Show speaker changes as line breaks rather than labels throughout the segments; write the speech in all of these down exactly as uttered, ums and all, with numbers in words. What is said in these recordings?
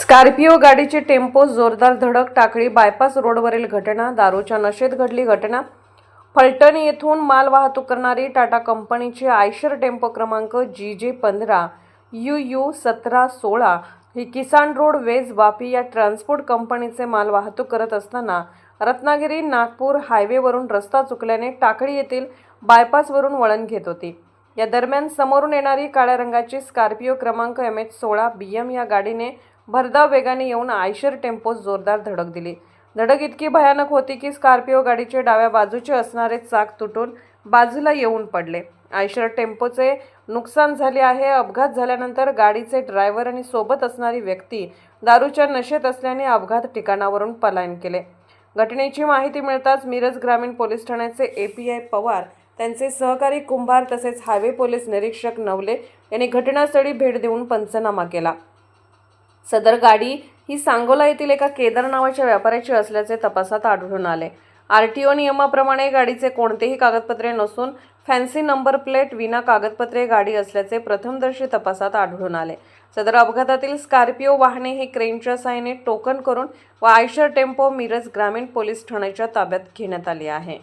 Scorpio गाडीची tempo जोरदार धडक, टाकळी बायपास रोडवरील घटना. दारूच्या नशेत घडली घटना. फलटण येथून माल वाहतूक करणारी टाटा कंपनीची आयशर टेम्पो क्रमांक जी जे पंधरा यू यू सतरा सोळा ही किसान रोड वेज वापी या ट्रान्सपोर्ट कंपनीचे माल वाहतूक करत असताना रत्नागिरी नागपूर हायवेवरून रस्ता चुकल्याने टाकळी येथील बायपासवरून वळण घेत होती. या दरम्यान समोरून येणारी काळ्या रंगाची स्कॉर्पिओ क्रमांक एम एच सोळा बी एम या गाडीने भरधाव वेगाने येऊन आयशर टेम्पोस जोरदार धडक दिली. धडक इतकी भयानक होती की स्कॉर्पिओ गाडीचे डाव्या बाजूचे असणारे चाक तुटून बाजूला येऊन पडले. आयशर टेम्पोचे नुकसान झाले आहे. अपघात झाल्यानंतर गाडीचे ड्रायव्हर आणि सोबत असणारी व्यक्ती दारूच्या नशेत असल्याने अपघात ठिकाणावरून पलायन केले. घटनेची माहिती मिळताच मिरज ग्रामीण पोलीस ठाण्याचे ए पी आय पवार, त्यांचे सहकारी कुंभार तसेच हायवे पोलीस निरीक्षक नवले यांनी घटनास्थळी भेट देऊन पंचनामा केला. सदर गाडी ही सांगोला येथील एका केदार नावाच्या व्यापाऱ्याची असल्याचे तपासात आढळून आले. आर टी ओ नियमाप्रमाणे गाडीचे कोणतेही कागदपत्रे नसून फॅन्सी नंबर प्लेट विना कागदपत्रे गाडी असल्याचे प्रथमदर्शी तपासात आढळून आले. सदर अपघातातील स्कॉर्पिओ वाहने ही क्रेनच्या साहाय्याने टोकन करून व आयशर टेम्पो मिरज ग्रामीण पोलीस ठाण्याच्या ताब्यात घेण्यात आली आहे.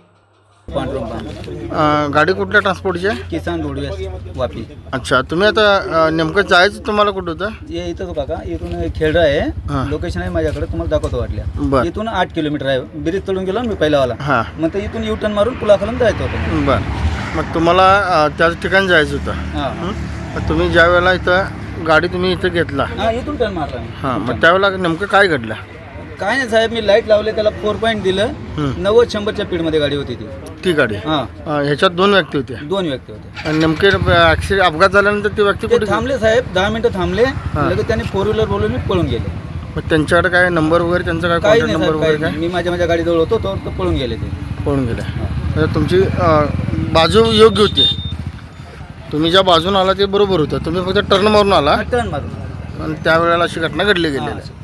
गाडी कुठल्या ट्रान्सपोर्टची आहे?
किसान रोडवेज वापी.
अच्छा, तुम्ही आता नेमकं जायचं तुम्हाला कुठं होतं?
ये इथं तो काका इथून खेळडा आहे, लोकेशन आहे माझ्याकडे, तुम्हाला दाखवतो वाटल्या. इथून आठ किलोमीटर आहे. ब्रिज तळून गेलो मी पहिलावाला.
हां,
मग ते इथून युटर्न मारून पुलाखालून जायचं होतं.
बरं, मग तुम्हाला त्याच ठिकाणी जायचं होतं.
हां,
मग तुम्ही ज्या वेळेला इथं गाडी तुम्ही इथं घेतला,
हां इथून टर्न मारला.
हां, मग त्यावेळेला नेमकं काय घडलं?
काय नाही साहेब, मी लाईट लावले, त्याला फोर पॉईंट दिलं. नव्वद शंभरच्या स्पीडमध्ये गाडी होती ती.
ती गाडी,
हां,
ह्याच्यात दोन व्यक्ती होते.
दोन व्यक्ती होते.
आणि नेमके ॲक्सिडेंट अपघात झाल्यानंतर ती व्यक्ती
ते
कुठे
थांबले साहेब, दहा मिनिटं थांबले. लगेच त्यांनी फोर व्हीलर बोलून पळून गेले.
मग त्यांच्याकडे काय नंबर वगैरे, त्यांचा काय
काही
कॉन्टॅक्ट
नाही
नंबर
साहेब,
वगैरे
काही
काय?
मी माझ्या माझ्या गाडीजवळ होतो तो तो पळून गेले ते.
पळून गेले. म्हणजे तुमची बाजू योग्य होती. तुम्ही ज्या बाजून आला ते बरोबर होतं. तुम्ही फक्त टर्न मारून आला
टर्न मारून
आणि त्यावेळेला अशी घटना घडली गेलेली आहे.